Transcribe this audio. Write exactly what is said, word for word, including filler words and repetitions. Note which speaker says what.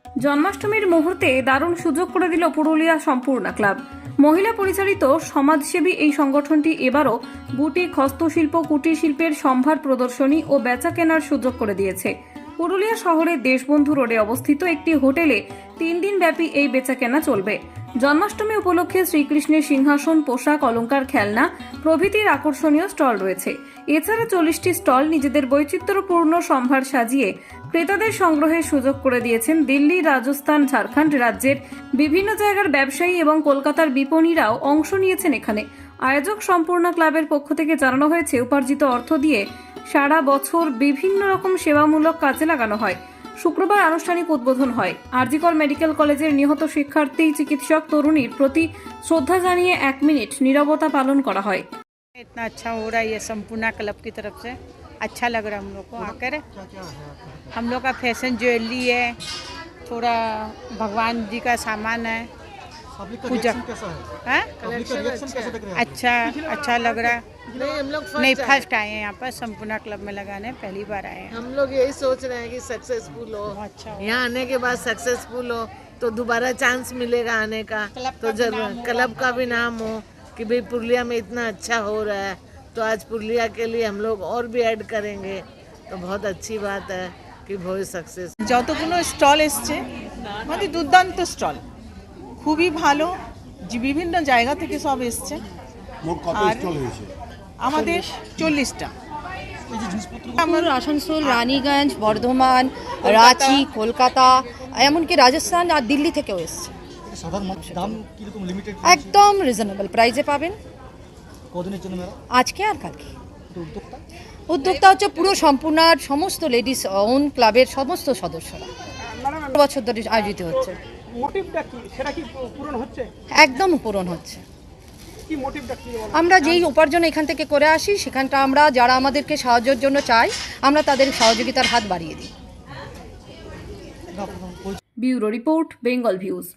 Speaker 1: জন্মাষ্টমীর মুহূর্তে দারুণ সুযোগ করে দিল পুরুলিয়া সম্পূর্ণা ক্লাব। মহিলা পরিচালিত সমাজসেবী এই সংগঠনটি এবারও বুটিক, হস্তশিল্প, কুটির শিল্পের সম্ভার প্রদর্শনী ও বেচা কেনার সুযোগ করে দিয়েছে। পুরুলিয়া শহরের দেশবন্ধু রোডে অবস্থিত একটি হোটেলে তিন দিন ব্যাপী এই বেচা কেনা চলবে। জন্মাষ্টমী উপলক্ষে শ্রীকৃষ্ণের সিংহাসন, পোশাক, অলংকার, খেলনা প্রভৃতির আকর্ষণীয় স্টল রয়েছে। এছাড়া চল্লিশটি স্টল নিজেদের বৈচিত্র্যপূর্ণ সম্ভার সাজিয়ে ক্রেতাদের সংগ্রহের সুযোগ করে দিয়েছেন দিল্লি, রাজস্থান, ঝাড়খণ্ড রাজ্যের বিভিন্ন জায়গার ব্যবসায়ী এবং কলকাতার বিপণীরাও অংশ নিয়েছেন এখানে। আয়োজক সম্পূর্ণা ক্লাবের পক্ষ থেকে জানানো হয়েছে, উপার্জিত অর্থ দিয়ে সারা বছর বিভিন্ন রকম সেবামূলক কাজে লাগানো হয়। শুক্রবার আনুষ্ঠানিক উদ্বোধন হয়। আরজিকর মেডিকেল কলেজের নিহত শিক্ষার্থী চিকিৎসক তরুণীর প্রতি শ্রদ্ধা জানিয়ে এক মিনিট নীরবতা পালন করা হয়।
Speaker 2: इतना अच्छा हो रहा है ये संपूर्णा क्लब की तरफ से, अच्छा लग रहा है हम लोग को आकर। हम लोग का फैशन ज्वेलरी है, थोड़ा भगवान जी का सामान है, पूजा है अच्छा अच्छा लग रहा है।
Speaker 3: नहीं हम लोग
Speaker 2: नहीं फर्स्ट आए हैं यहाँ पर संपूर्णा क्लब में लगाने, पहली बार आए हैं।
Speaker 3: हम लोग यही सोच रहे हैं कि सक्सेसफुल हो,
Speaker 2: अच्छा हो।
Speaker 3: यहाँ आने के बाद सक्सेसफुल हो तो दोबारा चांस मिलेगा आने का। तो जरूर क्लब का भी नाम हो कि भाई पुरलिया में इतना अच्छा हो रहा है, तो आज पुरलिया के लिए हम लोग और भी ऐड करेंगे, तो बहुत अच्छी बात है कि बहुत सक्सेस।
Speaker 4: যতগুলো স্টল এসছে মানে দুর্দান্ত স্টল, খুবই ভালো, যে বিভিন্ন জায়গা থেকে সব এসছে।
Speaker 5: মোট কত
Speaker 4: আর
Speaker 5: স্টল হয়েছে?
Speaker 4: আমাদের চল্লিশটা।
Speaker 6: আমার আসানসোল, রানীগঞ্জ, বর্ধমান, রাঁচি, কলকাতা, এমনকি রাজস্থান আর দিল্লি থেকেও এসছে।
Speaker 5: সাধারণ মানুষের দাম কিরকম লিমিটেড?
Speaker 6: একদম রিজনেবল প্রাইসে পাবেন
Speaker 5: কদিনের জন্য মেলা?
Speaker 6: আজকে আর কালকে।
Speaker 5: উদ্যোক্তা
Speaker 6: উদ্যোক্তা হচ্ছে পুরো সম্পূর্ণার সমস্ত লেডিস ওন ক্লাবের সমস্ত সদস্যরা। বছর ধরে আয়োজিত হচ্ছে।
Speaker 7: মোটিভটা কি, সেটা কি পূরণ হচ্ছে?
Speaker 6: একদম পূরণ হচ্ছে।
Speaker 7: কি মোটিভটা কি বলো?
Speaker 6: আমরা যেই উপার্জন এখান থেকে করে আসি, সেখানটা আমরা যারা আমাদেরকে সাহায্যের জন্য চাই, আমরা তাদের সহযোগিতার হাত বাড়িয়ে দিই।
Speaker 1: Bureau report, Bengal views.